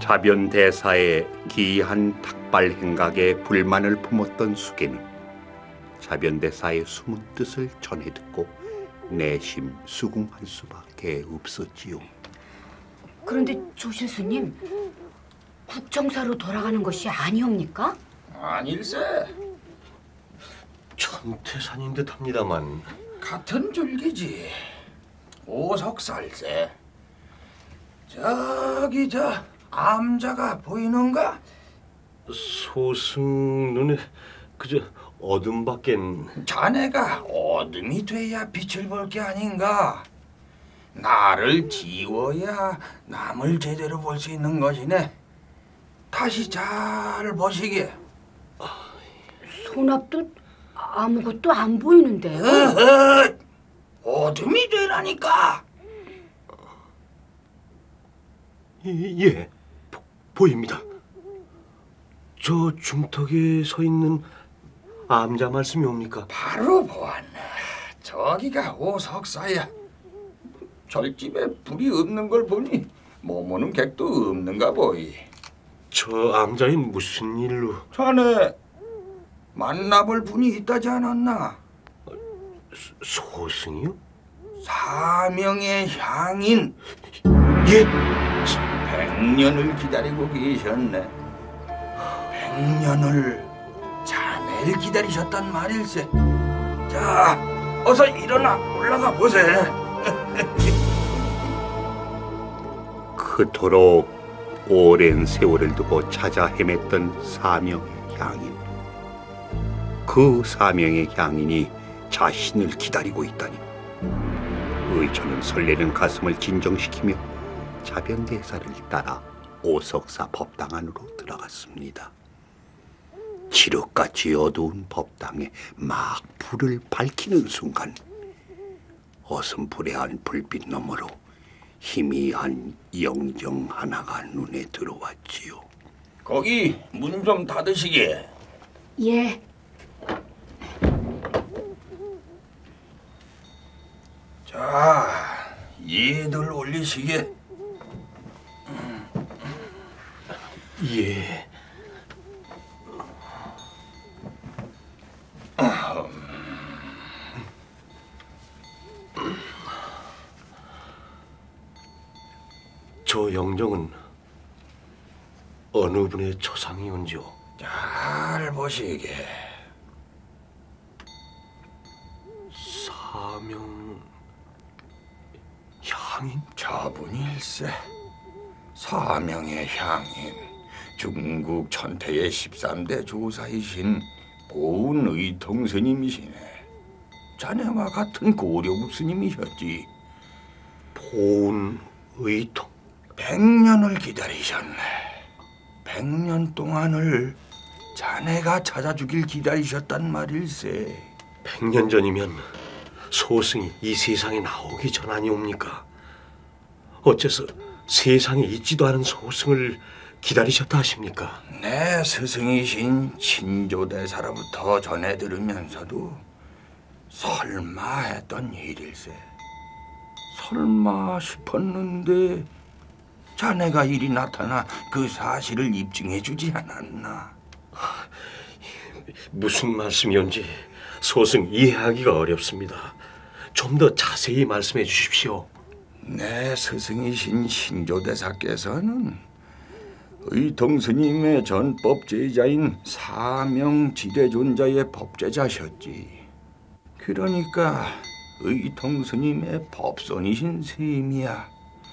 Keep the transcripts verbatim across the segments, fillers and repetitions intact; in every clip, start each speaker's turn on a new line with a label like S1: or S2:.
S1: 자변대사의 기이한 탁발 행각에 불만을 품었던 수계는 자변대사의 숨은 뜻을 전해 듣고 내심 수긍할 수밖에 없었지요.
S2: 그런데 조실수님, 국정사로 돌아가는 것이 아니옵니까?
S3: 아닐세.
S4: 천태산인 듯합니다만.
S3: 같은 줄기지. 오석살세. 저기 저 암자가 보이는가?
S4: 소승 눈에 그저 어둠밖엔.
S3: 자네가 어둠이 돼야 빛을 볼 게 아닌가? 나를 지워야 남을 제대로 볼 수 있는 것이네. 다시 잘 보시게.
S2: 손앞도 아무것도 안 보이는데요.
S3: 어허, 어둠이 되라니까.
S4: 예, 보, 보입니다. 저 중턱에 서 있는 암자 말씀이 옵니까?
S3: 바로 보았네. 저기가 오석사야. 절집에 불이 없는 걸 보니 머무는 객도 없는가 보이.
S4: 저 암자의 무슨 일로?
S3: 자네 만나볼 분이 있다지 않았나?
S4: 소승이요?
S3: 사명의 향인.
S4: 예?
S3: 백년을 기다리고 계셨네. 백년을 자네를 기다리셨단 말일세. 자, 어서 일어나 올라가 보세.
S1: 그토록 오랜 세월을 두고 찾아 헤맸던 사명의 향인. 그 사명의 향인이 자신을 기다리고 있다니. 의초는 설레는 가슴을 진정시키며 자변대사를 따라 오석사 법당 안으로 들어갔습니다. 지륵같이 어두운 법당에 막 불을 밝히는 순간 어슴푸레한 불빛 너머로 희미한 영정 하나가 눈에 들어왔지요.
S3: 거기 문 좀 닫으시게.
S2: 예.
S3: 자, 얘들 올리시게.
S4: 예. 저 영정은 어느 분의 초상이온지요?
S3: 잘 보시게.
S4: 사명 향인?
S3: 저분일세. 사명의 향인. 중국 천태의 십삼 대 조사이신 고운 의통 스님이시네. 자네와 같은 고려국 스님이셨지.
S4: 보은 의통?
S3: 백년을 기다리셨네. 백년 동안을 자네가 찾아주길 기다리셨단 말일세.
S4: 백년 전이면 소승이 이 세상에 나오기 전 아니옵니까? 어째서 세상에 있지도 않은 소승을 기다리셨다 하십니까?
S3: 내 스승이신 신조대사로부터 전해 들으면서도 설마 했던 일일세. 설마 싶었는데 자네가 이리 나타나 그 사실을 입증해 주지 않았나?
S4: 무슨 말씀이온지 소승 이해하기가 어렵습니다. 좀 더 자세히 말씀해 주십시오.
S3: 내 스승이신 신조대사께서는 의통스님의 전법제자인 사명지대존자의 법제자셨지. 그러니까 의통스님의 법손이신 셈이야.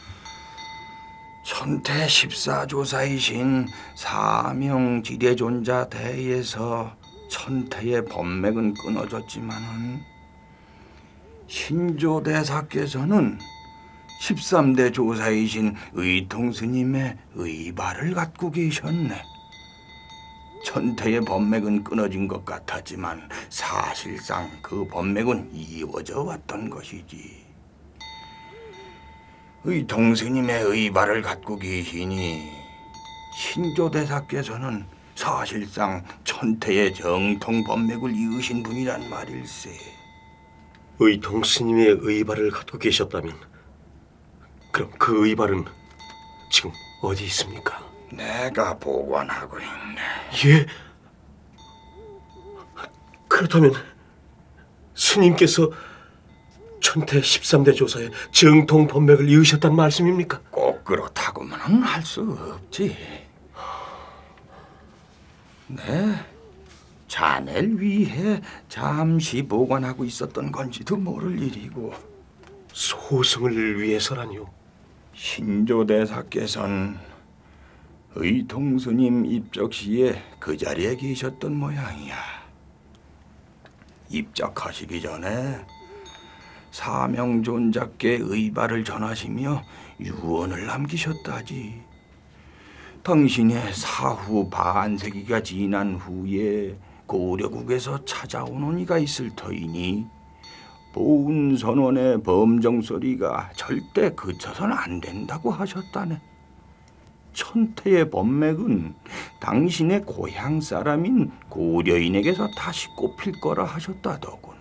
S3: 천태 십사조사이신 사명지대존자 대에서 천태의 법맥은 끊어졌지만은 신조대사께서는 십삼 대 조사이신 의통스님의 의발을 갖고 계셨네. 천태의 법맥은 끊어진 것 같았지만 사실상 그 법맥은 이어져 왔던 것이지. 의통스님의 의발을 갖고 계시니 신조대사께서는 사실상 천태의 정통 법맥을 이으신 분이란 말일세.
S4: 의통 스님의 의발을 갖고 계셨다면 그럼 그 의발은 지금 어디 있습니까?
S3: 내가 보관하고 있네.
S4: 예? 그렇다면 스님께서 천태 십삼 대 조사에 정통 법맥을 이으셨단 말씀입니까?
S3: 꼭 그렇다고만은 할 수 없지. 네, 자네를 위해 잠시 보관하고 있었던 건지도 모를 일이고.
S4: 소승을 위해서라니요?
S3: 신조대사께서는 의통스님 입적 시에 그 자리에 계셨던 모양이야. 입적하시기 전에 사명존자께 의발을 전하시며 유언을 남기셨다지. 당신의 사후 반세기가 지난 후에 고려국에서 찾아오는 이가 있을 터이니 보훈선원의 범정소리가 절대 그쳐서는 안 된다고 하셨다네. 천태의 법맥은 당신의 고향 사람인 고려인에게서 다시 꼽힐 거라 하셨다더군.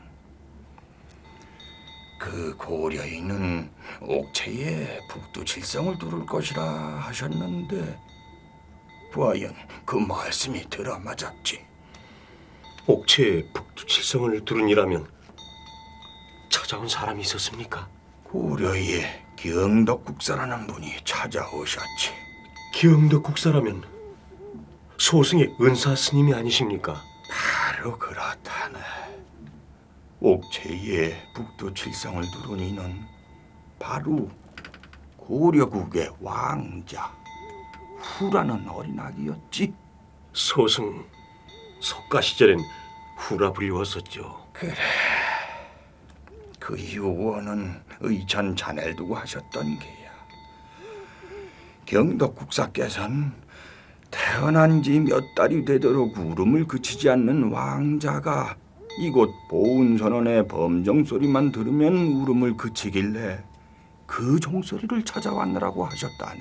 S3: 그 고려인은 옥체에 북두칠성을 두를 것이라 하셨는데 과연 그 말씀이 들어맞았지.
S4: 옥체에 북두칠성을 두른이라면 찾아온 사람이 있었습니까?
S3: 고려의 경덕국사라는 분이 찾아오셨지.
S4: 기흥덕 국사라면 소승의 은사 스님이 아니십니까?
S3: 바로 그렇다네. 옥체에 북두칠성을 두른 이는 바로 고려국의 왕자 후라는 어린아기였지.
S4: 소승 석가 시절엔 후라 불리웠었죠.
S3: 그래. 그 유언은 의천 자네를 두고 하셨던 게야. 경덕국사께서는 태어난 지 몇 달이 되도록 울음을 그치지 않는 왕자가 이곳 보훈선원의 범정소리만 들으면 울음을 그치길래 그 종소리를 찾아왔느라고 하셨다네.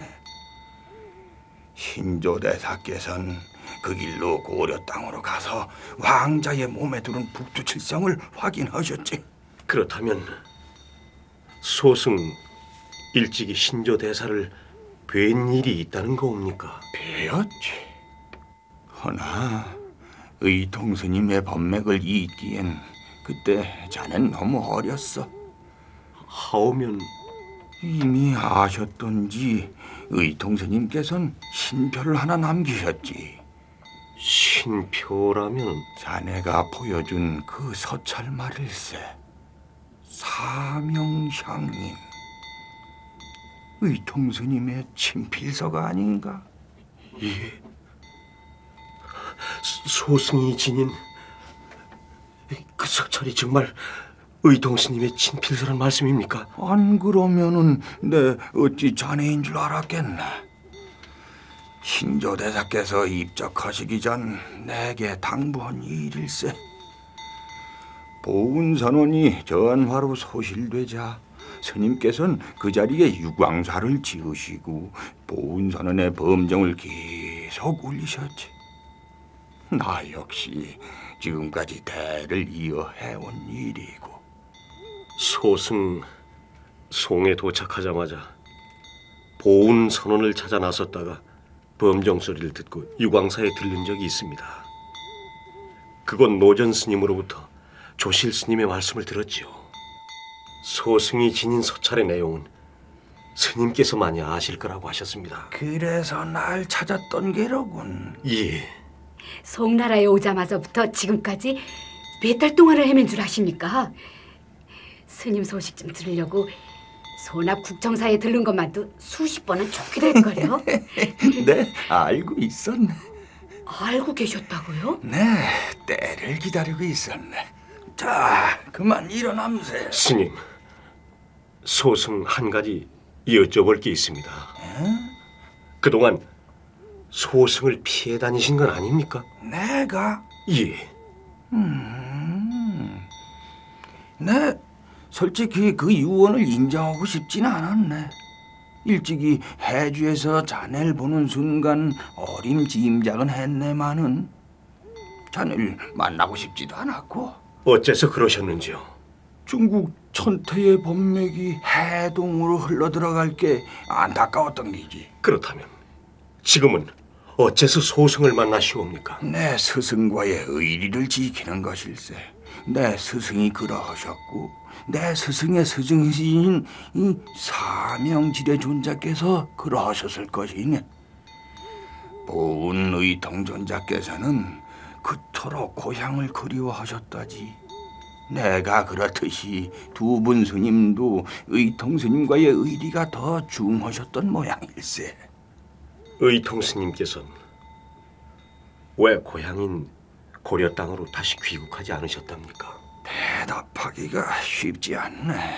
S3: 신조대사께서는 그 길로 고려 땅으로 가서 왕자의 몸에 두른 북두칠성을 확인하셨지.
S4: 그렇다면 소승 일찍이 신조 대사를 뵌 일이 있다는 거옵니까?
S3: 배웠지. 허나 의통스님의 법맥을 잇기엔 그때 자넨 너무 어렸어.
S4: 하오면
S3: 이미 아셨던지 의통스님께서는 신표를 하나 남기셨지.
S4: 신표라면
S3: 자네가 보여준 그 서찰말일세. 사명향림. 의통스님의 친필서가 아닌가?
S4: 예. 소승이 지닌 그 석찰이 정말 의통스님의 친필서란 말씀입니까?
S3: 안 그러면은 내 어찌 자네인 줄 알았겠나. 신조대사께서 입적하시기 전 내게 당부한 일일세. 보훈선원이 전화로 소실되자 스님께서는 그 자리에 유광사를 지으시고 보훈선원의 범정을 계속 울리셨지. 나 역시 지금까지 대를 이어 해온 일이고.
S4: 소승 송에 도착하자마자 보훈 선원을 찾아 나섰다가 범정 소리를 듣고 유광사에 들른 적이 있습니다. 그곳 노전 스님으로부터 조실 스님의 말씀을 들었지요. 소승이 지닌 서찰의 내용은 스님께서만이 아실 거라고 하셨습니다.
S3: 그래서 날 찾았던 게로군.
S4: 예.
S2: 송나라에 오자마자부터 지금까지 몇 달 동안을 헤맨 줄 아십니까? 스님 소식 좀 들으려고 소납 국정사에 들른 것만도 수십 번은 좋게 될걸요.
S3: 네, 알고 있었네.
S2: 알고 계셨다고요?
S3: 네, 때를 기다리고 있었네. 자, 그만 일어남세.
S4: 스님, 소승 한 가지 여쭤볼 게 있습니다.
S3: 에?
S4: 그동안 소승을 피해 다니신 건 아닙니까?
S3: 내가?
S4: 예.
S3: 음, 네, 솔직히 그 유언을 인정하고 싶진 않았네. 일찍이 해주에서 자네를 보는 순간 어림짐작은 했네만은 자네를 만나고 싶지도 않았고.
S4: 어째서 그러셨는지요?
S3: 중국 천태의 법맥이 해동으로 흘러들어갈 게 안타까웠던 게지.
S4: 그렇다면 지금은 어째서 소승을 만나시옵니까?
S3: 내 스승과의 의리를 지키는 것일세. 내 스승이 그러하셨고 내 스승의 스승이신 이 사명지대 존자께서 그러하셨을 것이니 보은 의통존자께서는 그토록 고향을 그리워하셨다지. 내가 그렇듯이 두 분 스님도 의통 스님과의 의리가 더 중하셨던 모양일세.
S4: 의통 스님께서는 왜 고향인 고려 땅으로 다시 귀국하지 않으셨답니까?
S3: 대답하기가 쉽지 않네.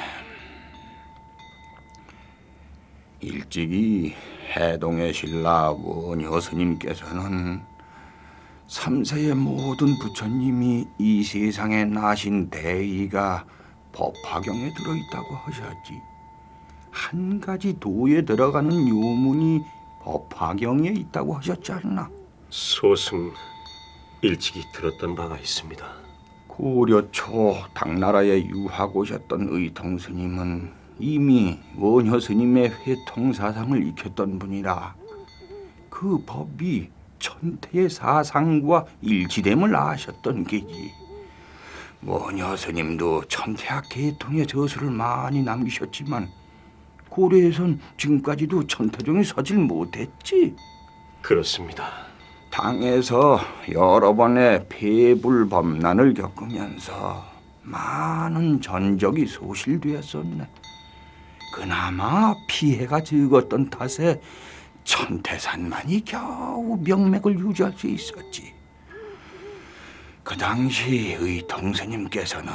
S3: 일찍이 해동의 신라 원효 스님께서는 삼세의 모든 부처님이 이 세상에 나신 대의가 법화경에 들어있다고 하셨지. 한 가지 도에 들어가는 요문이 법화경에 있다고 하셨지 않나?
S4: 소승 일찍이 들었던 바가 있습니다.
S3: 고려 초 당나라에 유학 오셨던 의통 스님은 이미 원효 스님의 회통 사상을 익혔던 분이라 그 법이 천태의 사상과 일치됨을 아셨던 게지. 원효 스님도 천태학 계통의 저수를 많이 남기셨지만 고려에선 지금까지도 천태종이 서질 못했지.
S4: 그렇습니다.
S3: 당에서 여러 번의 폐불범난을 겪으면서 많은 전적이 소실되었었네. 그나마 피해가 적었던 탓에 천태산만이 겨우 명맥을 유지할 수 있었지. 그 당시 의통 스님께서는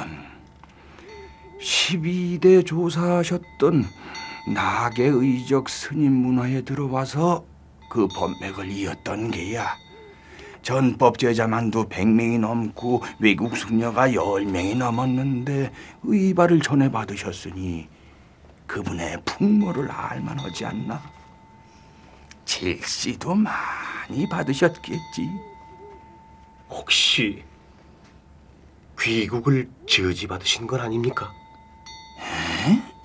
S3: 십이 대 조사하셨던 낙의의적 스님 문화에 들어와서 그 법맥을 이었던 게야. 전법 제자만도 백 명이 넘고 외국 숙녀가 열 명이 넘었는데 의발을 전해받으셨으니 그분의 풍모를 알만하지 않나? 질시도 많이 받으셨겠지.
S4: 혹시 귀국을 저지받으신 건 아닙니까?
S3: 에?